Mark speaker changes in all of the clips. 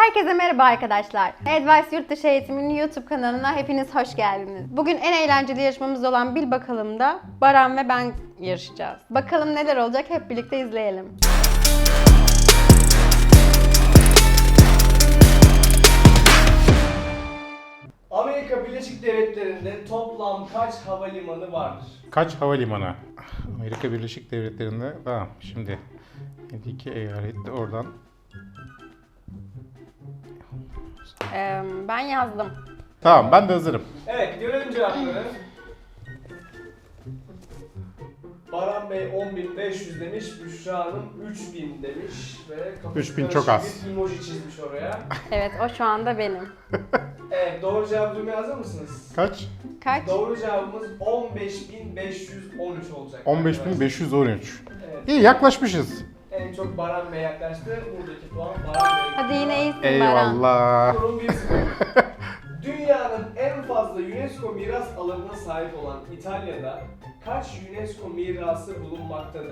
Speaker 1: Herkese merhaba arkadaşlar. Advice Yurtdışı Eğitiminin YouTube kanalına hepiniz hoş geldiniz. Bugün en eğlenceli yarışmamız olan Bil Bakalım'da Baran ve ben yarışacağız. Bakalım neler olacak, hep birlikte izleyelim.
Speaker 2: Amerika Birleşik Devletleri'nde toplam kaç havalimanı vardır?
Speaker 3: Kaç havalimanı? Amerika Birleşik Devletleri'nde, tamam şimdi 52 eyalet oradan.
Speaker 1: Ben yazdım.
Speaker 3: Tamam, ben de hazırım.
Speaker 2: Evet, görelim cevapları. Baran Bey 10.500 demiş, Büşra Hanım 3.000 demiş ve kafası
Speaker 3: 3.000 çok
Speaker 2: karışık
Speaker 3: az.
Speaker 2: bir emoji çizmiş oraya.
Speaker 1: Evet, o şu anda benim.
Speaker 2: Evet, doğru cevabı duymaya hazır mısınız?
Speaker 3: Kaç?
Speaker 1: Kaç?
Speaker 2: Doğru cevabımız 15.513 olacak.
Speaker 3: 15.513.
Speaker 2: Evet,
Speaker 3: İyi, yaklaşmışız.
Speaker 2: en çok Baran Bey yaklaştı. Buradaki puan Baran Bey'e.
Speaker 1: Hadi yine iyisin Baran.
Speaker 3: Eyvallah.
Speaker 2: Durum 1-0. Dünyanın en fazla UNESCO miras alanına sahip olan İtalya'da kaç UNESCO mirası bulunmaktadır?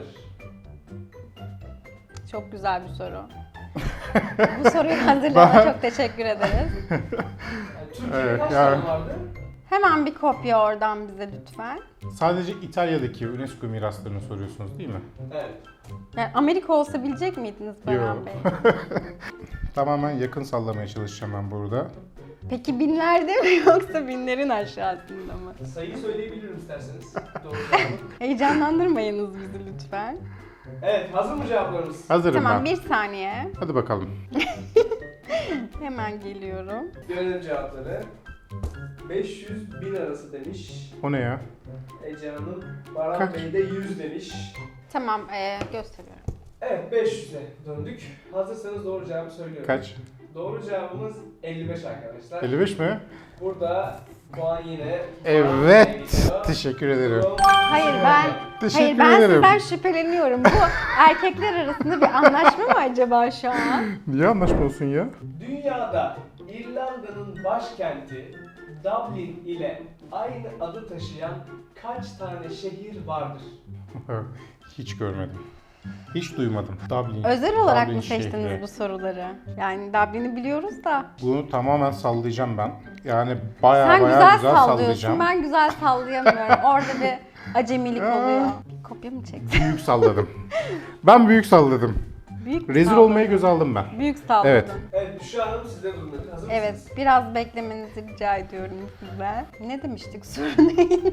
Speaker 1: Çok güzel bir soru. Bu soruyu hazırlayana çok teşekkür ederiz.
Speaker 2: Yani Türkiye'de
Speaker 3: Evet,
Speaker 2: kaç
Speaker 3: yani-
Speaker 2: tane vardı?
Speaker 1: Hemen bir kopya oradan bize lütfen.
Speaker 3: Sadece İtalya'daki UNESCO miraslarını soruyorsunuz değil mi?
Speaker 2: Evet.
Speaker 1: Yani Amerika olsa bilecek miydiniz Baran
Speaker 3: Yo.
Speaker 1: Bey?
Speaker 3: Tamamen yakın sallamaya çalışacağım ben burada.
Speaker 1: Peki binlerde mi yoksa binlerin aşağısında mı?
Speaker 2: Sayıyı söyleyebilirim isterseniz. Doğru cevabı.
Speaker 1: Heyecanlandırmayınız bizi lütfen.
Speaker 2: Evet, hazır mı cevaplarımız?
Speaker 3: Hazırım
Speaker 1: Tamam,
Speaker 3: ben.
Speaker 1: bir saniye.
Speaker 3: Hadi bakalım.
Speaker 1: Hemen geliyorum.
Speaker 2: Görelim cevapları. 500-1000 arası demiş.
Speaker 3: O ne ya?
Speaker 2: Ece Hanım, Baran
Speaker 3: Kaç?
Speaker 2: Bey de 100 demiş.
Speaker 1: Tamam, gösteriyorum.
Speaker 2: Evet, 500'e döndük. Hazırsanız doğru cevabı söylüyorum.
Speaker 3: Kaç?
Speaker 2: Doğru cevabımız 55 arkadaşlar.
Speaker 3: 55 mi?
Speaker 2: Burada puan yine Baran Bey'e
Speaker 3: Evet.
Speaker 2: gidiyor.
Speaker 3: Teşekkür ederim.
Speaker 2: Durum
Speaker 1: Hayır ben
Speaker 3: Teşekkür
Speaker 1: Hayır ben
Speaker 3: ederim.
Speaker 1: sizden şüpheleniyorum. Bu erkekler arasında bir anlaşma mı acaba şu an?
Speaker 3: Niye anlaşma olsun ya?
Speaker 2: Dünyada İrlanda'nın başkenti Dublin ile aynı adı taşıyan kaç tane şehir vardır?
Speaker 3: Hiç görmedim. Hiç duymadım. Dublin.
Speaker 1: Özel olarak
Speaker 3: Dublin
Speaker 1: mı seçtiniz
Speaker 3: şehri.
Speaker 1: bu soruları? Yani Dublin'i biliyoruz da.
Speaker 3: Bunu tamamen sallayacağım ben. Yani bayağı
Speaker 1: Sen
Speaker 3: bayağı
Speaker 1: güzel
Speaker 3: güzel
Speaker 1: sallıyorsun.
Speaker 3: sallayacağım.
Speaker 1: Ben güzel sallayamıyorum. Orada bir acemilik oluyor. Kopya mı çektin?
Speaker 3: Büyük salladım. Ben büyük salladım.
Speaker 1: Büyük mü
Speaker 3: Rezil
Speaker 1: salladın?
Speaker 3: olmayı göze aldım ben.
Speaker 1: Büyük salladın.
Speaker 3: Evet.
Speaker 2: Evet, Büşra Hanım sizde durum nedir? Hazır
Speaker 1: Evet,
Speaker 2: mısınız?
Speaker 1: biraz beklemenizi rica ediyorum sizden. Ne demiştik soru neydi?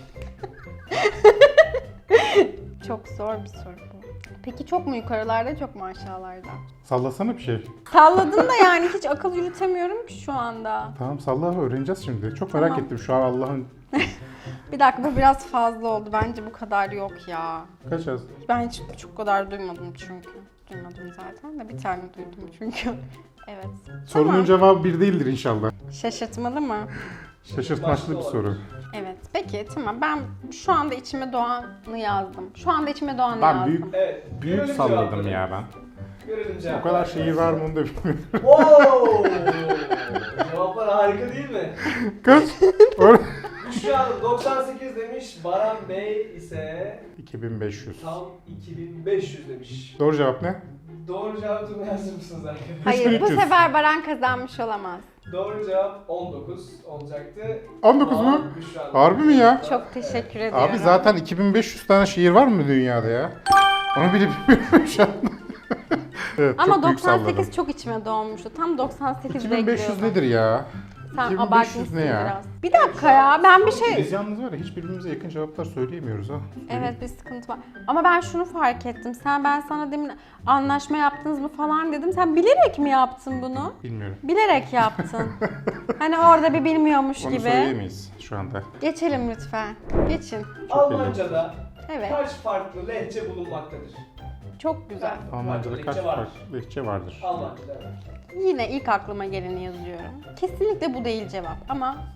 Speaker 1: Çok zor bir soru bu. Peki çok mu yukarılarda, çok mu aşağılarda?
Speaker 3: Sallasana bir şey.
Speaker 1: Salladın da yani hiç akıl yürütemiyorum ki şu anda.
Speaker 3: Tamam salla, öğreneceğiz şimdi. Çok merak
Speaker 1: Tamam.
Speaker 3: ettim şu an Allah'ın
Speaker 1: Bir dakika, bu biraz fazla oldu. Bence bu kadar yok ya.
Speaker 3: kaç yaz?
Speaker 1: Ben hiç çok kadar duymadım çünkü. Duymadım zaten de bir tane duydum çünkü. Evet.
Speaker 3: Sorunun
Speaker 1: Tamam.
Speaker 3: cevabı bir değildir inşallah.
Speaker 1: Şaşırtmalı mı?
Speaker 3: Şaşırtmaçlı bir soru.
Speaker 1: Evet. Peki tamam, ben şu anda içime doğanı yazdım. Şu anda içime doğanı
Speaker 3: Ben
Speaker 1: yazdım.
Speaker 3: büyük
Speaker 2: Evet.
Speaker 3: büyük
Speaker 2: görelim
Speaker 3: salladım
Speaker 2: cevapları.
Speaker 3: ya ben.
Speaker 2: Görelim
Speaker 3: O
Speaker 2: cevapları.
Speaker 3: kadar şehir var mı onu da bilmiyorum.
Speaker 2: Wow! Cevaplar harika değil mi?
Speaker 3: Kaç?
Speaker 2: Büşra Hanım 98 demiş, Baran Bey ise
Speaker 3: 2500.
Speaker 2: tam 2500 demiş.
Speaker 3: Doğru cevap ne?
Speaker 2: Doğru cevabı duymaya hazır mısınız arkadaşlar?
Speaker 1: Hayır, bu
Speaker 3: 3300.
Speaker 1: sefer Baran kazanmış olamaz.
Speaker 2: Doğru cevap 19 olacaktı.
Speaker 3: 19
Speaker 2: Puan
Speaker 3: mu?
Speaker 2: Büşra Hanım.
Speaker 3: Harbi mi ya?
Speaker 1: Çok teşekkür ediyorum.
Speaker 3: Abi zaten 2500 tane şehir var mı dünyada ya? Onu bile bilmiyorum şu an. Evet,
Speaker 1: Ama
Speaker 3: çok büyük
Speaker 1: 98
Speaker 3: salladım.
Speaker 1: çok içime doğmuştu. Tam 98
Speaker 3: 2500
Speaker 1: bekliyordum.
Speaker 3: nedir ya?
Speaker 1: Sen
Speaker 3: 2500
Speaker 1: abartmışsın
Speaker 3: ne ya?
Speaker 1: biraz. Bir dakika ya, ben bir şey...
Speaker 3: Biz yalnız var ya hiçbirbirimize yakın cevaplar söyleyemiyoruz ha.
Speaker 1: Evet, bir sıkıntı var. Ama ben şunu fark ettim. Ben sana demin anlaşma yaptınız mı falan dedim. Sen bilerek mi yaptın bunu?
Speaker 3: Bilmiyorum.
Speaker 1: Bilerek yaptın. Hani orada bir bilmiyormuş
Speaker 3: Onu
Speaker 1: gibi.
Speaker 3: söyleyemeyiz şu anda.
Speaker 1: Geçelim lütfen. Geçin.
Speaker 2: Almanca'da
Speaker 1: Evet.
Speaker 2: kaç farklı lehçe bulunmaktadır?
Speaker 1: Çok güzel.
Speaker 3: Almanca'da
Speaker 2: Farklı
Speaker 3: kaç
Speaker 2: lehçe vardır.
Speaker 3: farklı lehçe vardır?
Speaker 2: Almanca'da evet.
Speaker 1: Yine ilk aklıma geleni yazıyorum. Kesinlikle bu değil cevap ama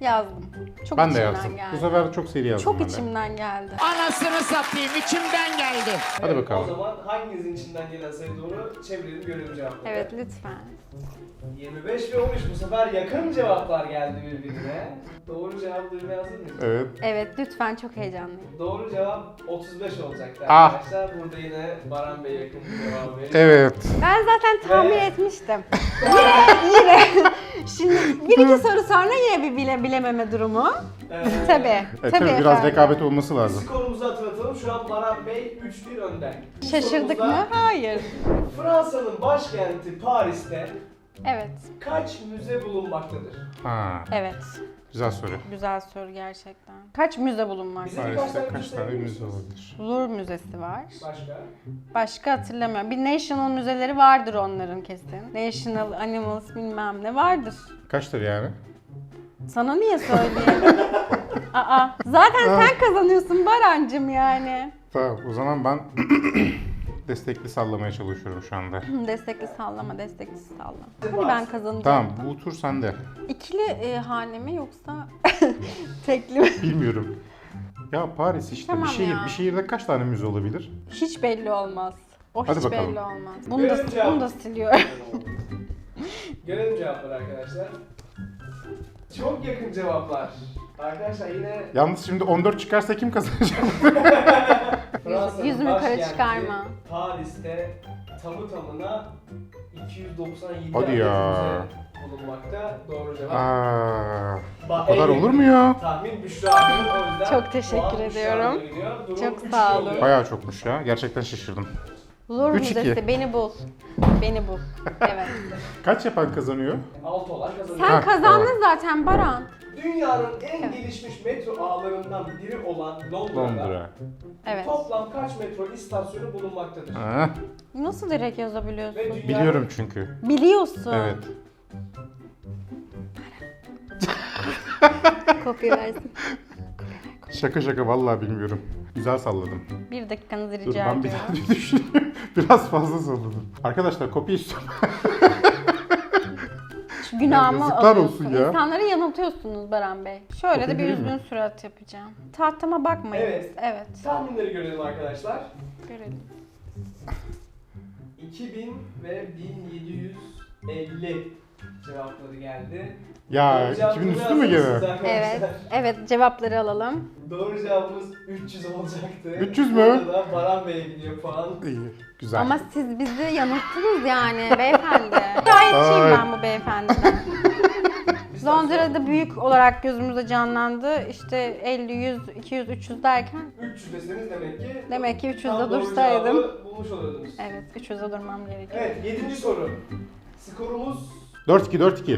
Speaker 1: Yazdım. Çok
Speaker 3: Ben de
Speaker 1: içimden
Speaker 3: yazdım.
Speaker 1: geldi.
Speaker 3: Bu sefer çok seri yazdım
Speaker 1: Çok
Speaker 3: ben de.
Speaker 1: içimden geldi.
Speaker 4: Anasını satayım içimden geldi.
Speaker 3: Hadi
Speaker 2: Evet,
Speaker 3: bakalım.
Speaker 2: O zaman hanginizin içinden gelen sayı doğru çevirelim görelim cevapları.
Speaker 1: Evet lütfen.
Speaker 2: 25 ve 13 bu sefer yakın cevaplar geldi birbirine. Doğru cevap duymaya hazır mıyız?
Speaker 3: Evet.
Speaker 1: Evet lütfen, çok heyecanlıyım.
Speaker 2: Doğru cevap 35 olacaktı
Speaker 3: Ah.
Speaker 2: arkadaşlar. Burada yine Baran Bey yakın bir cevap veriyor.
Speaker 3: Evet.
Speaker 1: Ben zaten tahmin
Speaker 2: Ve-
Speaker 1: etmiştim. Yine. Şimdi bir iki soru sonra yine bir bilememe durumu. Tabii.
Speaker 3: Tabii biraz
Speaker 1: efendim.
Speaker 3: rekabet olması lazım.
Speaker 2: Skorumuzu hatırlatalım. Şu an Baran Bey 3-1 önde. Bu
Speaker 1: Şaşırdık
Speaker 2: sorumuzda
Speaker 1: mı? Hayır.
Speaker 2: Fransa'nın başkenti Paris'te
Speaker 1: Evet.
Speaker 2: kaç müze bulunmaktadır?
Speaker 3: Ha,
Speaker 1: Evet.
Speaker 3: güzel soru.
Speaker 1: Güzel soru gerçekten. Kaç müze bulunmakta?
Speaker 2: Bize birkaç
Speaker 3: Paris'te
Speaker 2: tane
Speaker 3: kaç
Speaker 2: müze
Speaker 3: tane
Speaker 2: biliyor
Speaker 3: müze
Speaker 2: musunuz?
Speaker 3: olabilir?
Speaker 1: Louvre Müzesi var.
Speaker 2: Başka?
Speaker 1: Başka hatırlamıyorum. Bir National müzeleri vardır onların kesin. National Animals bilmem ne vardır.
Speaker 3: Kaçtır yani?
Speaker 1: Sana niye söyleyeyim? Aa, zaten sen kazanıyorsun Barancım yani.
Speaker 3: Tamam, o zaman ben destekli sallamaya çalışıyorum şu anda.
Speaker 1: Destekli sallama, destekli sallama. Hani ben kazanacağım.
Speaker 3: Tamam, bu tur sende.
Speaker 1: İkili hane mi yoksa tekli mi?
Speaker 3: Bilmiyorum. Ya Paris işte
Speaker 1: Tamam
Speaker 3: bir şehir.
Speaker 1: ya.
Speaker 3: Bir şehirde kaç tane müze olabilir?
Speaker 1: Hiç belli olmaz. O
Speaker 3: Hadi
Speaker 1: hiç
Speaker 3: bakalım.
Speaker 1: belli olmaz. Bunu da siliyorum.
Speaker 2: Görelim cevapları arkadaşlar. Çok yakın cevaplar. Arkadaşlar yine
Speaker 3: Yalnız şimdi 14 çıkarsa kim kazanacak?
Speaker 2: Fransa'nın
Speaker 1: Yüzümü yukarı
Speaker 2: başkenti
Speaker 1: çıkarma.
Speaker 2: Paris'te tamı tamına 297
Speaker 3: Hadi
Speaker 2: adet
Speaker 3: ya.
Speaker 2: müze bulunmakta. Doğru cevap.
Speaker 3: Aa,
Speaker 2: Ba-
Speaker 3: o kadar
Speaker 2: en
Speaker 3: olur mu ya?
Speaker 2: Tahmin Büşra'nın, o yüzden
Speaker 1: Çok teşekkür
Speaker 2: puan Büşra'ya
Speaker 1: ediyorum.
Speaker 2: gidiyor. Durum
Speaker 1: Çok
Speaker 2: 3-2
Speaker 1: sağ olun.
Speaker 2: oluyor.
Speaker 3: Bayağı çokmuş ya. Gerçekten şaşırdım.
Speaker 1: Louvre
Speaker 3: 3-2.
Speaker 1: Müzesi beni bul. Beni bul. Evet.
Speaker 3: Kaç yapan kazanıyor?
Speaker 2: 6 olan kazanıyor.
Speaker 1: Sen
Speaker 3: Ha,
Speaker 1: kazandın zaten Baran.
Speaker 2: Dünyanın en gelişmiş metro ağlarından biri olan Londra'da
Speaker 3: Londra.
Speaker 1: Evet.
Speaker 2: toplam kaç metro istasyonu bulunmaktadır?
Speaker 3: Ha,
Speaker 1: Nasıl direkt yazabiliyorsun?
Speaker 2: Ve dünyanın
Speaker 3: biliyorum çünkü.
Speaker 1: Biliyorsun.
Speaker 3: Evet.
Speaker 1: Kopya versin.
Speaker 3: Şaka şaka vallahi bilmiyorum. Güzel salladım.
Speaker 1: Bir dakikanızı
Speaker 3: Dur
Speaker 1: rica
Speaker 3: ben bir
Speaker 1: ediyorum.
Speaker 3: daha bir düşüneyim. Biraz fazla salladım. Arkadaşlar kopya istiyorum.
Speaker 1: Şu günahımı
Speaker 3: Yazıklar
Speaker 1: alıyorsun.
Speaker 3: olsun ya.
Speaker 1: İnsanları yanıltıyorsunuz Baran Bey. Şöyle
Speaker 3: Kopya
Speaker 1: de bir
Speaker 3: değil mi?
Speaker 1: üzgün surat yapacağım. Tahtama bakmayın.
Speaker 2: Evet.
Speaker 1: Evet.
Speaker 2: tahminleri görelim arkadaşlar.
Speaker 1: Görelim.
Speaker 2: 2000 ve 1750 cevapları geldi.
Speaker 3: Ya
Speaker 2: Doğru cevap
Speaker 3: 2000 üstü
Speaker 2: duymaya
Speaker 3: mü
Speaker 2: hazır mısınız
Speaker 3: gene?
Speaker 2: arkadaşlar?
Speaker 1: Evet. Evet, cevapları alalım.
Speaker 2: Doğru cevabımız 300 olacaktı.
Speaker 3: 300 mü?
Speaker 2: Burada da Baran Bey'e gidiyor puan.
Speaker 3: İyi. Güzel.
Speaker 1: Ama siz bizi yanılttınız yani beyefendi. Şikayetçiyim
Speaker 3: Ay.
Speaker 1: ben bu beyefendiden. Londra'da büyük olarak gözümüzde canlandı. İşte 50, 100, 200, 300 derken
Speaker 2: 300 deseniz demek ki
Speaker 1: demek ki 300'de
Speaker 2: tam doğru
Speaker 1: dursaydım.
Speaker 2: cevabı bulmuş oluyordunuz.
Speaker 1: Evet, 300'de durmam gerekiyor.
Speaker 2: Evet, 7. soru. Skorumuz
Speaker 3: 4-2.
Speaker 2: 4-2.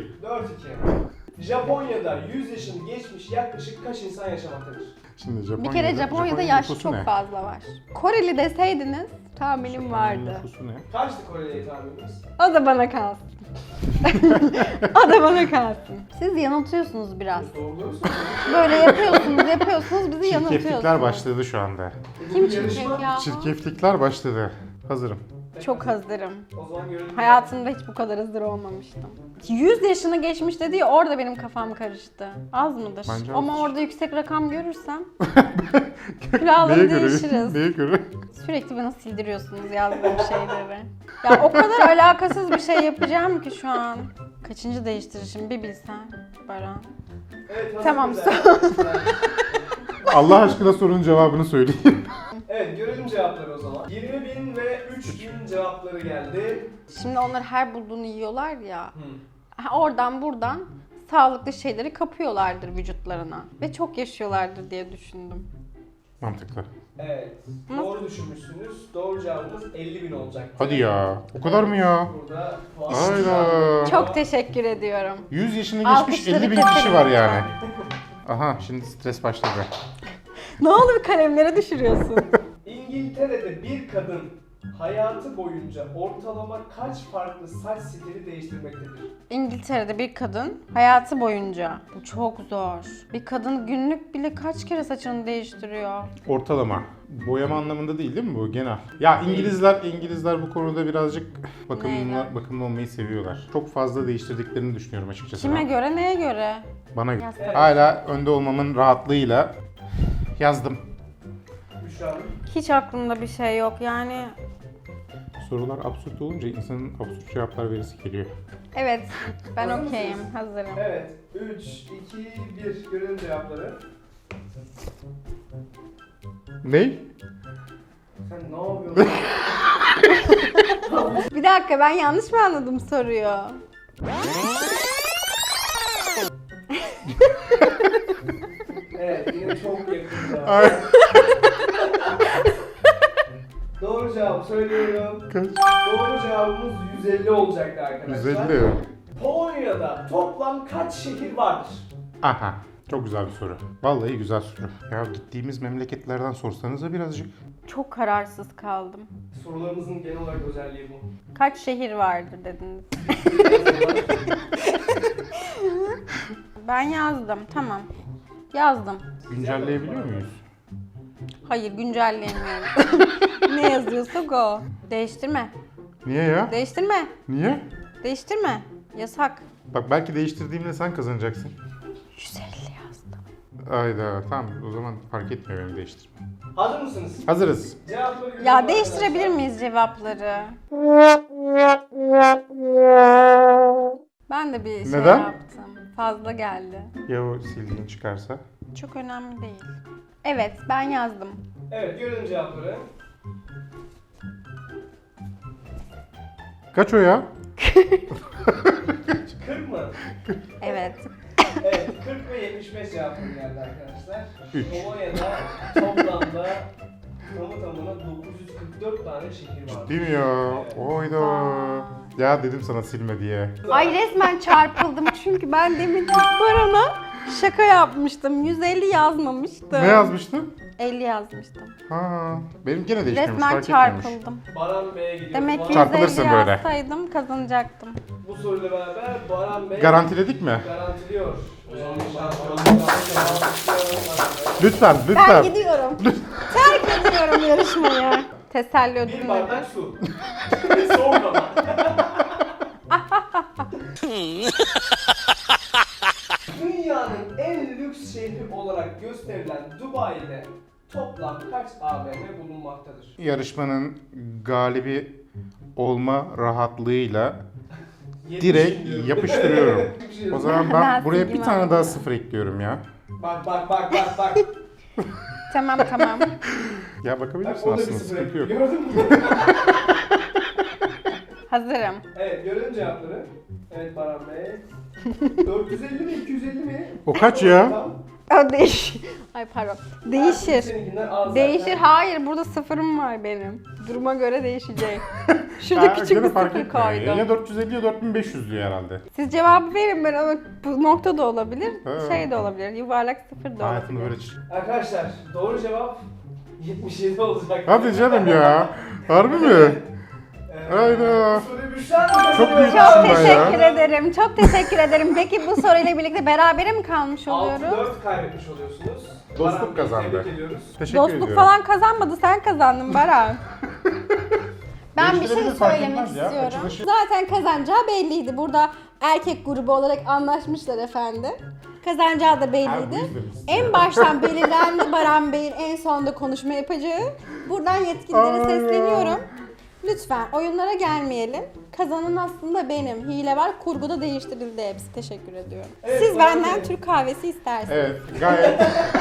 Speaker 2: Japonya'da 100 yaşını geçmiş yaklaşık kaç insan yaşamaktadır?
Speaker 3: Şimdi Japonya'da,
Speaker 1: Bir kere Japonya'da yaş
Speaker 3: nüfusu
Speaker 1: çok
Speaker 3: ne?
Speaker 1: fazla var. Koreli deseydiniz tahminim
Speaker 3: Japonya'nın
Speaker 1: vardı.
Speaker 3: nüfusu ne?
Speaker 2: Kaçtı Kore'yi tahmininiz?
Speaker 1: O da bana kalsın. O da bana kalsın. Siz yanıltıyorsunuz biraz.
Speaker 2: Doğruları
Speaker 1: Böyle yapıyorsunuz, bizi
Speaker 3: Çirkeflikler
Speaker 1: yanıltıyorsunuz.
Speaker 3: başladı şu anda.
Speaker 1: Kim çirkef ya?
Speaker 3: Çirkeflikler başladı. Hazırım.
Speaker 1: Çok hazırım.
Speaker 2: O zaman görelim.
Speaker 1: Hayatımda hiç bu kadar hazır olmamıştım. 100 yaşını geçmiş dedi ya, orada benim kafam karıştı. Az mıdır?
Speaker 3: Bence
Speaker 1: Ama
Speaker 3: azdır.
Speaker 1: orada yüksek rakam görürsem
Speaker 3: Neye
Speaker 1: külahları
Speaker 3: göre?
Speaker 1: değişiriz.
Speaker 3: Neye göre?
Speaker 1: Sürekli bana sildiriyorsunuz yazdığım şeyleri. Ya o kadar alakasız bir şey yapacağım ki şu an. Kaçıncı değiştirişim bir bilsen Baran.
Speaker 2: Evet, hazır
Speaker 1: Tamam,
Speaker 2: mıyız
Speaker 1: sor.
Speaker 2: arkadaşlar?
Speaker 3: Allah aşkına sorunun cevabını söyleyin.
Speaker 2: Evet, görelim cevapları o zaman. 20.000 ve 3.000 cevapları geldi.
Speaker 1: Şimdi onlar her bulduğunu yiyorlar ya.
Speaker 2: Hı.
Speaker 1: Oradan buradan sağlıklı şeyleri kapıyorlardır vücutlarına. Ve çok yaşıyorlardır diye düşündüm.
Speaker 3: Mantıklı.
Speaker 2: Evet,
Speaker 1: Nasıl?
Speaker 2: doğru düşünmüşsünüz. Doğru cevabımız 50.000 olacaktı.
Speaker 3: Hadi ya. O kadar mı ya?
Speaker 2: Burada puan.
Speaker 3: Hayda.
Speaker 1: Çok teşekkür ediyorum.
Speaker 3: 100 yaşını geçmiş
Speaker 1: Alkışları
Speaker 3: 50 bin
Speaker 1: keselim
Speaker 3: kişi var
Speaker 1: lütfen.
Speaker 3: yani. Aha şimdi stres başladı.
Speaker 1: Ne oldu, bir kalemlere düşürüyorsun?
Speaker 2: İngiltere'de bir kadın hayatı boyunca ortalama kaç farklı saç stili değiştirmektedir?
Speaker 1: İngiltere'de bir kadın hayatı boyunca, bu çok zor. Bir kadın günlük bile kaç kere saçını değiştiriyor?
Speaker 3: Ortalama. Boyama anlamında değil mi bu genel? Ya İngilizler bu konuda birazcık bakımlı olmayı seviyorlar. Çok fazla değiştirdiklerini düşünüyorum açıkçası.
Speaker 1: Kime
Speaker 3: ben.
Speaker 1: göre, neye göre?
Speaker 3: Bana göre.
Speaker 1: Yazdım.
Speaker 3: Hala önde olmamın rahatlığıyla yazdım.
Speaker 2: Büşra Hanım.
Speaker 1: Hiç aklımda bir şey yok yani.
Speaker 3: Sorular absürt olunca insanın absürt cevaplar verisi geliyor.
Speaker 1: Evet, ben
Speaker 2: Hazır
Speaker 1: okeyim,
Speaker 2: mısınız?
Speaker 1: hazırım.
Speaker 2: Evet. 3, 2, 1. Görelim cevapları.
Speaker 3: Ney?
Speaker 2: Sen ne yapıyorsun?
Speaker 1: Bir dakika, ben yanlış mı anladım soruyu?
Speaker 2: Evet, yine çok yakın cevap.
Speaker 3: Ay.
Speaker 2: Doğru cevap söylüyorum.
Speaker 3: Kaç?
Speaker 2: Doğru cevabımız 150 olacaktı arkadaşlar.
Speaker 3: 150.
Speaker 2: Polonya'da toplam kaç şehir vardır?
Speaker 3: Aha. Çok güzel bir soru. Vallahi güzel soru. Ya gittiğimiz memleketlerden sorsanız da birazcık.
Speaker 1: Çok kararsız kaldım.
Speaker 2: Sorularımızın genel olarak özelliği bu.
Speaker 1: Kaç şehir vardır dediniz? Ben yazdım, tamam. Yazdım.
Speaker 3: Güncelleyebiliyor muyuz?
Speaker 1: Hayır, güncelleyemiyorum. Ne yazıyorsak o. Değiştirme.
Speaker 3: Niye ya?
Speaker 1: Değiştirme.
Speaker 3: Niye?
Speaker 1: Değiştirme. Yasak.
Speaker 3: Bak belki değiştirdiğimde sen kazanacaksın.
Speaker 1: 150 yazdım.
Speaker 3: Ayda tamam o zaman fark etmiyor benim değiştirmem.
Speaker 2: Hazır mısınız?
Speaker 3: Hazırız.
Speaker 2: Cevapları görelim
Speaker 1: Ya
Speaker 2: arkadaşlar.
Speaker 1: değiştirebilir miyiz cevapları? Ben de bir şey
Speaker 3: Neden?
Speaker 1: yaptım. Fazla geldi.
Speaker 3: Ya o sildiğin çıkarsa?
Speaker 1: Çok önemli değil. Evet, ben yazdım.
Speaker 2: Evet, görelim cevapları.
Speaker 3: Kaç o ya?
Speaker 2: 40 mı?
Speaker 1: Evet.
Speaker 2: Evet, 40 ve 75 cevapları geldi arkadaşlar.
Speaker 3: Üç.
Speaker 2: Polonya'da toplamda tamına 944 tane şehir var.
Speaker 3: Değil mi ya? Oyda.
Speaker 1: Vay.
Speaker 3: Ya dedim sana silme diye.
Speaker 1: Ay resmen çarpıldım çünkü ben demin Baran'a şaka yapmıştım. 150 yazmamıştım.
Speaker 3: Ne yazmıştın?
Speaker 1: 50 yazmıştım.
Speaker 3: Ha, benim gene değişmemiş
Speaker 1: Resmen
Speaker 3: fark etmiyormuş.
Speaker 1: çarpıldım.
Speaker 2: Baran Bey'e gidiyor.
Speaker 1: Demek ki
Speaker 2: Baran-
Speaker 3: Çarpılırsın
Speaker 1: 150
Speaker 3: böyle.
Speaker 1: yazsaydım kazanacaktım.
Speaker 2: Bu soruyla beraber Baran Bey
Speaker 3: Garantiledik mi?
Speaker 2: garantiliyor.
Speaker 3: Lütfen,
Speaker 1: Ben
Speaker 3: lütfen.
Speaker 1: gidiyorum. Terk ediyorum yarışmayı. Teselli
Speaker 2: Bir
Speaker 1: ödülünü.
Speaker 2: bardak su. Soğuk ama. Dünyanın en lüks şehri olarak gösterilen Dubai'de toplam kaç AVM bulunmaktadır?
Speaker 3: Yarışmanın galibi olma rahatlığıyla
Speaker 2: 70
Speaker 3: direkt
Speaker 2: diyorum.
Speaker 3: yapıştırıyorum. O zaman ben
Speaker 1: Ben
Speaker 3: buraya bir
Speaker 1: silgim
Speaker 3: tane
Speaker 1: aldım.
Speaker 3: daha sıfır ekliyorum ya.
Speaker 2: Bak.
Speaker 1: Tamam tamam.
Speaker 3: Ya
Speaker 2: Bak
Speaker 3: bakabilirsin
Speaker 2: o da bir
Speaker 3: aslında
Speaker 2: sıfır
Speaker 3: sıkıntı
Speaker 2: ekliyor.
Speaker 3: yok.
Speaker 2: Gördün mü?
Speaker 1: Hazırım.
Speaker 2: Evet, görelim cevapları. Evet Baran Bey. 450 mi 250 mi?
Speaker 3: O kaç ya?
Speaker 2: Tamam.
Speaker 1: O değiş. Ay pardon. Değişir.
Speaker 2: Seninkinden az
Speaker 1: Değişir.
Speaker 2: zaten.
Speaker 1: Hayır, burada sıfırım var benim. Duruma göre değişecek. Şurada
Speaker 3: Ha,
Speaker 1: küçük
Speaker 3: gene
Speaker 1: bir
Speaker 3: fark
Speaker 1: sıfır
Speaker 3: etmiyor.
Speaker 1: koydum.
Speaker 3: Ya 450 ya 4500 diyor herhalde.
Speaker 1: Siz cevabı verin ben ama bu nokta da olabilir,
Speaker 3: Ha.
Speaker 1: şey de olabilir, yuvarlak sıfır da
Speaker 3: Hayatımda
Speaker 1: olabilir.
Speaker 3: böyle
Speaker 2: Arkadaşlar doğru cevap 77 olacak.
Speaker 3: Hadi canım ya. Harbi mi? Hayda.
Speaker 2: Bu soruyu Büşra Hanım
Speaker 3: Çok büyük
Speaker 2: kazanıyor.
Speaker 1: Çok
Speaker 3: Aslında ya.
Speaker 1: teşekkür ederim, çok teşekkür ederim. Peki bu soruyla birlikte berabere mi kalmış oluyoruz?
Speaker 2: 6-4 kaybetmiş oluyorsunuz.
Speaker 3: Dostluk
Speaker 2: Baran Bey'i
Speaker 3: kazandı.
Speaker 2: Tebrik ediyoruz.
Speaker 3: Teşekkür
Speaker 1: Dostluk
Speaker 3: ediyorum.
Speaker 1: falan kazanmadı, sen kazandın Baran. Ben bir şey
Speaker 3: Değiştirebilir, fark
Speaker 1: söylemek
Speaker 3: etmez ya.
Speaker 1: istiyorum.
Speaker 3: Açılışı-
Speaker 1: Zaten kazanacağı belliydi. Burada erkek grubu olarak anlaşmışlar efendim. Kazanacağı da
Speaker 3: Ha,
Speaker 1: belliydi.
Speaker 3: bu yüzden biz-
Speaker 1: En baştan belirlendi Baran Bey'in en sonunda konuşma yapacağı. Buradan yetkililere
Speaker 3: Ay
Speaker 1: sesleniyorum. Lütfen oyunlara gelmeyelim. Kazanan aslında benim. Hile var, kurguda değiştirildi hepsi. Teşekkür ediyorum.
Speaker 2: Evet,
Speaker 1: Siz
Speaker 2: Baran
Speaker 1: benden
Speaker 2: Bey.
Speaker 1: Türk kahvesi istersiniz.
Speaker 3: Evet, gayet.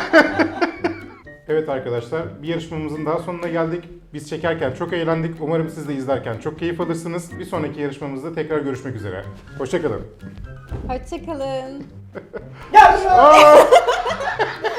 Speaker 3: Evet arkadaşlar, bir yarışmamızın daha sonuna geldik. Biz çekerken çok eğlendik. Umarım siz de izlerken çok keyif alırsınız. Bir sonraki yarışmamızda tekrar görüşmek üzere. Hoşçakalın.
Speaker 1: Hoşçakalın.
Speaker 2: Gel Büşra!